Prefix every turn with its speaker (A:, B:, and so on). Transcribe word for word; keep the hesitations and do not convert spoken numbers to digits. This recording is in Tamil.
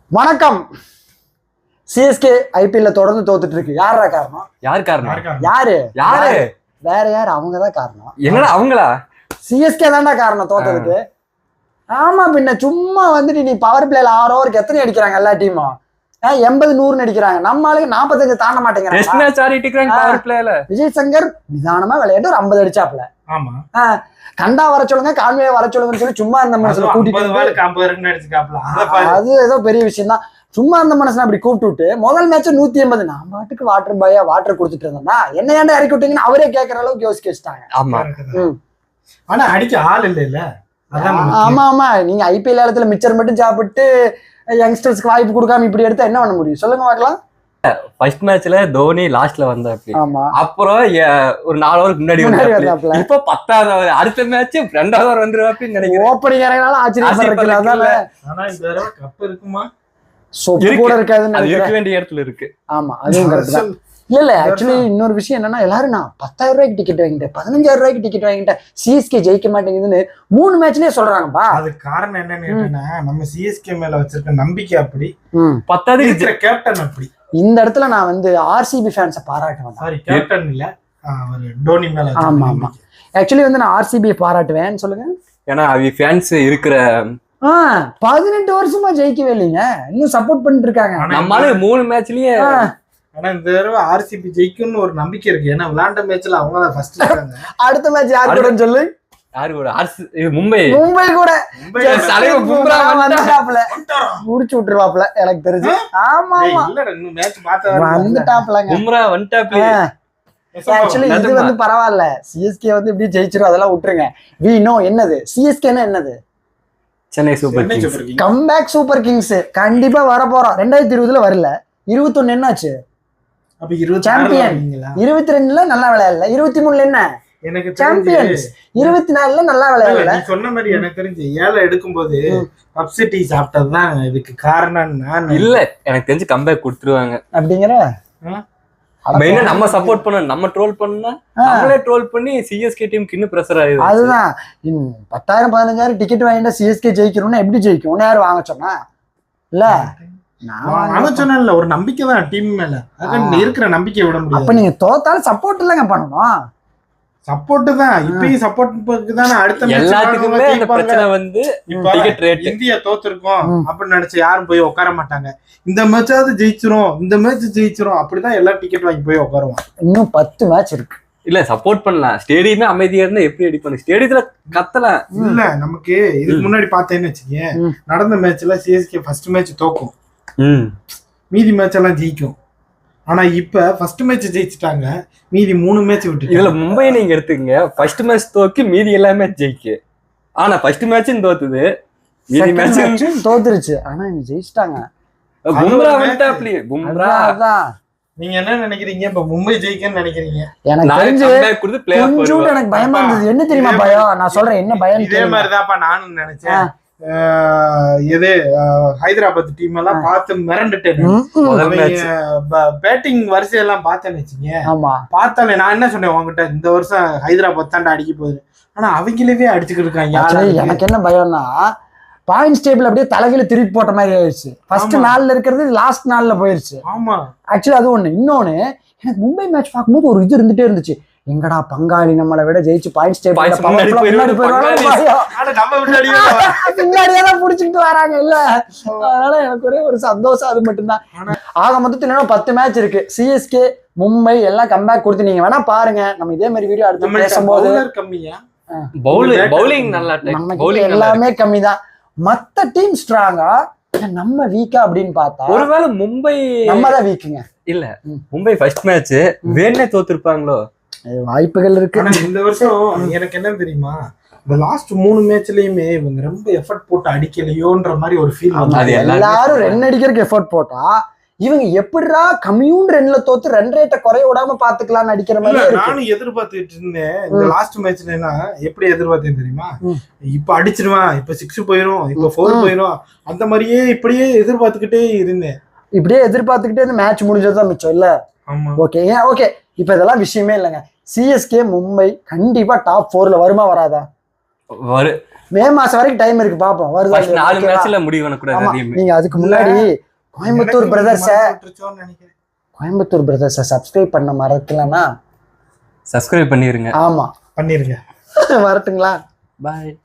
A: வணக்கம். சிஎஸ்கே ஐபிஎல்ல தொடர்ந்து தோத்துட்டு இருக்கு. யாரா காரணம்?
B: யார் காரணம்?
A: யாரு
B: யாரு
A: வேற யாரு? அவங்கதான் காரணம்.
B: என்னடா அவங்களா?
A: சிஎஸ்கே தான்டா காரணம் தோத்ததுக்கு. ஆமா, பின்ன சும்மா வந்துட்டு நீ பவர் பிளேல ஆறு ஓவருக்கு எத்தனை அடிக்கிறாங்க எல்லா டீமும்? எண்பது நூறுன்னு அடிக்கிறாங்க. நம்ம ஆளுக்கு நாற்பத்தஞ்சு தாண்ட மாட்டேங்கிறாங்க. விஜய் சங்கர் நிதானமா விளையாட்டு ஒரு ஐம்பது அடிச்சாப்ல.
C: ஆமா,
A: கண்டா வர சொல்லுங்க, கான்வே வர சொல்லுங்கன்னு சொல்லி சும்மா அந்த மனசுல கூட்டிட்டு அது ஏதோ பெரிய விஷயம் தான். சும்மா அந்த மனசுல அப்படி கூப்பிட்டு விட்டு முதல் மேட்ச் நூத்தி எண்பது நான் பாட்டுக்கு வாட்டர் பாயா வாட்டர் கொடுத்துட்டு இருந்தேன்னா என்ன ஏன்டா இறக்கி விட்டீங்கன்னு அவரே கேட்கற அளவுக்கு யோசிக்க வச்சுட்டாங்க.
C: ஆமா, ஆனா அடிக்க ஆள் இல்ல இல்ல.
A: ஆமா ஆமா, நீங்க ஐபிஎல் காலத்துல மிச்சர் மட்டும் சாப்பிட்டு யங்ஸ்டர்ஸ்க்கு வாய்ப்பு கொடுக்காம இப்படி எடுத்தா என்ன பண்ண முடியும் சொல்லுங்க பார்க்கலாம்.
B: ஃபர்ஸ்ட் மேட்ச்ல தோனி லாஸ்ட்ல வந்தாப்ல.
A: ஆமா,
B: அப்புறம் ஒரு நாலு ஓவர் முன்னாடி வந்தாப்ல. இப்ப பத்தாவது ஓவர் அடுத்த மேட்ச் ரெண்டாவது ஓவர் வந்துருவாப்ல நினைக்கிறேன்.
A: ஓப்பனிங் இறங்கினாலும் ஆச்சரியப்படுறதுல.
C: ஆனா இந்த தடவை கப் இருக்குமா?
A: சொப்பு கூட இருக்காதுன்னு
B: இருக்க வேண்டிய இடத்துல இருக்கு.
A: ஆமா, அதுவும் கரெக்ட் தான். இல்ல இல்ல ஆக்சுவலி இன்னொரு விஷயம் என்னன்னா, எல்லாரும் நான் பத்தாயிரம் ரூபாய்க்கு டிக்கெட் வாங்கிட்டேன், பதினஞ்சாயிரம் ரூபாய்க்கு டிக்கெட் வாங்கிட்டேன், சிஎஸ்கே ஜெயிக்க மாட்டேங்குதுன்னு மூணு மேட்ச்லயே சொல்றாங்கப்பா.
C: அது காரணம் என்னன்னு நம்ம சிஎஸ்கே மேல வச்சிருக்க நம்பிக்கை அப்படி,
B: பத்தாவது
C: இருக்கிற கேப்டன் அப்படி.
A: இந்த இடத்துல நான் வந்து ஆர்சிபி ஃபேன்ஸை பாராட்டுவேன்.
C: சாரி, கேப்டன் இல்ல, டோனி மேல.
A: ஆமா ஆமா, ஆக்சுவலி வந்து நான் ஆர்சிபியை பாராட்டுவேன். சொல்லுங்க.
B: ஏன்னா அவங்க ஃபேன்ஸ் இருக்கிற
A: ஆஹ் பதினெட்டு வருஷமா ஜெயிக்கவே இல்லைங்க, இன்னும் சப்போர்ட் பண்ணிட்டு இருக்காங்க.
B: நம்மளால மூணு மேட்ச்லயே.
C: ஆனா இந்த தடவை ஆர்சிபி ஜெயிக்கும்னு ஒரு நம்பிக்கை இருக்கு. ஏன்னா விளையாண்ட மேட்ச்ல அவங்க தான் ஃபர்ஸ்ட் இருக்காங்க.
A: அடுத்த மேட்ச் யார் கூட சொல்லு?
B: யாரு கூட? மும்பை.
A: மும்பை கூட முடிச்சு விட்டுருவாப்ல எனக்கு தெரிஞ்சு. ஆமா ஆமா, வந்துட்டாப்லங்க.
B: பும்ரா வந்துட்டாப்ல.
A: ஆக்சுவலி இது வந்து பரவாயில்ல, சிஎஸ்கே வந்து இப்படி ஜெயிச்சிரும், அதெல்லாம் விட்டுருங்க. வி நோ என்னது சிஎஸ்கேன்னா என்னது?
B: Chennai super kings.
A: Comeback super kings கண்டிப்பா வர போறோம். ரெண்டாயிரத்தி இருபதுல வரல, இருபத்தி ஒண்ணு என்னாச்சு? சாம்பியன். இருபத்தி ரெண்டுல நல்லா விளையாடல, இருபத்தி மூணுல என்ன
C: எனக்கு
A: சாம்பியன்ஸ், இருபத்தி நாலுல நல்லா விளையாடல.
C: நீ சொன்ன மாதிரி எனக்கு தெரிஞ்சு ஏழை எடுக்கும் போது பப்சிட்டி சாப்பிட்டதுதான் இதுக்கு காரணம். நான்
B: இல்ல, எனக்கு தெரிஞ்சு கம்பேக் கொடுத்துருவாங்க
A: அப்படிங்கிற.
B: மெயினா நம்ம சப்போர்ட் பண்ண, நம்ம ட்ரோல் பண்ணா நம்மளே ட்ரோல் பண்ணி சிஎஸ்கே டீமுக்கு இன்னும் பிரஷர் ஆயிடுது.
A: அதுதான், பத்தாயிரம் பதினஞ்சாயிரம் டிக்கெட் வாங்கிட்டா சிஎஸ்கே ஜெயிக்கணும்னா எப்படி ஜெயிக்கும்? ஒன்னு யாரும் வாங்க சொன்னா இல்ல,
C: நான் சொன்னேன்ல, ஒரு நம்பிக்கை தான் டீம் மேல. இருக்கிற நம்பிக்கை விட முடியும்.
A: அப்ப நீங்க தோத்தாலும் சப்போர்ட் இல்லங்க பண்ணணும்.
C: சப்போர்ட் தான் இப்பயும் சப்போர்ட் தானே. அடுத்த
B: எல்லாத்துக்குமே அந்த பிரச்சனை வந்து டிக்கெட் ரேட்.
C: இந்தியா தோத்துருக்கோம் அப்படின்னு நினைச்சு யாரும் போய் உட்கார மாட்டாங்க. இந்த மேட்சாவது ஜெயிச்சிரும், இந்த மேட்ச் ஜெயிச்சிரும், அப்படிதான் எல்லாம் டிக்கெட் வாங்கி போய் உட்காருவோம்.
A: இன்னும் பத்து மேட்ச் இருக்கு.
B: இல்ல சப்போர்ட் பண்ணலாம், ஸ்டேடியமே அமைதியா இருந்தா எப்படி அடிப்பாங்க? ஸ்டேடியத்துல கத்தலாம்.
C: இல்ல நமக்கு இதுக்கு முன்னாடி பார்த்தேன்னு வச்சுக்கேன், நடந்த மேட்ச்ல சிஎஸ்கே ஃபர்ஸ்ட் மேட்ச் தோக்கும், மீதி மேட்ச் எல்லாம் ஜெயிக்கும். ஆனா இப்ப ஃபர்ஸ்ட் மேட்ச் ஜெயிச்சுட்டாங்க, மீதி மூணு மேட்ச் விட்டு.
B: இதுல மும்பை நீங்க எடுத்துக்கங்க, ஃபர்ஸ்ட் மேட்ச் தோக்கி மீதி எல்லா மேட்ச் ஜெயிக்கு. ஆனா ஃபர்ஸ்ட் மேட்சும் தோத்துது, மீதி மேட்சும்
A: தோத்துருச்சு, ஆனா இவங்க ஜெயிச்சிட்டாங்க.
B: பும்ரா வந்துட்டாப்ல. பும்ரா
A: அதான்.
C: நீங்க என்ன நினைக்கிறீங்க? இப்ப மும்பை ஜெயிக்கன்னு நினைக்கிறீங்க?
A: எனக்கு தெரிஞ்சு கொஞ்சம் எனக்கு பயமா இருந்தது. என்ன தெரியுமா பயம்? நான் சொல்றேன் என்ன பயம்.
C: இதே மாதிரிதான்ப்பா நானும் நினைச்சேன். எது ஹைதராபாத் டீம் எல்லாம் பார்த்து மிரண்டுட்டேன். பேட்டிங் வரிசையெல்லாம் பார்த்தேன்னு வச்சுங்க, பார்த்தாலே நான் என்ன சொன்னேன் உங்ககிட்ட, இந்த வருஷம் ஹைதராபாத் தாண்டா அடிக்க போகுது. ஆனா அவங்களவே அடிச்சுக்கிட்டு இருக்காங்க. எனக்கு என்ன பயம்னா, பாயிண்ட்ஸ் டேபிள் அப்படியே தலைகீழ திருப்பி போட்ட மாதிரி ஆயிடுச்சு. ஃபர்ஸ்ட் நாள்ல இருக்கிறது லாஸ்ட் நாள்ல போயிருச்சு. ஆமா,
A: ஆக்சுவலி அது ஒண்ணு. இன்னொன்னு, எனக்கு மும்பை மேட்ச் பார்க்கும்போது ஒரு இது இருந்துட்டே இருந்துச்சு, எங்கடா பங்காளி நம்மளை விட ஜெயிச்சு பாயிண்ட்ஸ் டேபிள் பின்னாடியெல்லாம் புடிச்சுக்கிட்டு வராங்க இல்ல. அதனால எனக்கு ஒரே ஒரு சந்தோஷம், அது மட்டும்தான். ஆக மொத்தத்துல பத்து மேட்ச் இருக்கு. சிஎஸ்கே மும்பை எல்லாம் கம்பேக் கொடுத்து நீங்க வேணா பாருங்க. நம்ம இதே மாதிரி வீடியோ அடுத்து பேசும்போது எல்லாமே கம்மி தான். மத்த டீம் ஸ்ட்ராங்கா, நம்ம வீக்கா அப்படின்னு பார்த்தா
B: ஒருவேளை மும்பை
A: நம்ம தான் வீக்குங்க.
B: இல்ல, மும்பை ஃபர்ஸ்ட் மேட்ச் வேணே தோத்துருப்பாங்களோ,
A: வாய்ப்புகள் இருக்கு.
C: இந்த வருஷம் எனக்கு என்ன தெரியுமா, இந்த லாஸ்ட் மூணு மேட்ச்லயுமே இவங்க ரொம்ப எஃபர்ட் போட்டு அடிக்கலையோன்ற மாதிரி ஒரு ஃபீல்.
A: எல்லாரும் ரன் அடிக்கிறதுக்கு எஃபர்ட் போட்டா இவங்க எப்படிடா கம்மியூன் ரன்ல தோத்து ரன் ரேட்டை குறைய விடாம பாத்துக்கலாம்னு அடிக்கிற மாதிரி.
C: நானும் எதிர்பார்த்துட்டு இருந்தேன் இந்த லாஸ்ட் மேட்ச்ல. எப்படி எதிர்பார்த்தேன் தெரியுமா, இப்ப அடிச்சிருவான், இப்ப சிக்ஸ் போயிரும், இப்ப போர் போயிரும், அந்த மாதிரியே இப்படியே எதிர்பார்த்துக்கிட்டே இருந்தேன்.
A: இப்படியே எதிர்பார்த்துக்கிட்டே இந்த மேட்ச் முடிஞ்சதுதான் மிச்சம் இல்ல. ஓகே ஓகே, இப்ப இதெல்லாம் விஷயமே இல்லைங்க. சிஎஸ்கே மும்பை கண்டிப்பா டாப் போர்ல வருமா வராதா?
B: வரு
A: மே மாசம் வரைக்கும் டைம் இருக்கு பாப்போம் வருதா
B: First
A: இல்லையா,
B: நாலு
A: ஓகேவா?
B: மேட்ச்ல முடிவு பண்ணக்கூடாது
A: ஆமா,
B: எதையுமே.
A: நீங்க அதுக்கு முன்னாடி கோயம்புத்தூர் பிரதர்ஸ
C: நினைக்கிறேன்.
A: கோயம்புத்தூர் பிரதர்ஸ சப்ஸ்கிரைப் பண்ண மறக்கலன்னா
B: சப்ஸ்கிரைப் பண்ணிருங்க.
A: ஆமா
C: பண்ணிருங்க.
A: வரட்டுங்களா?
B: பாய்.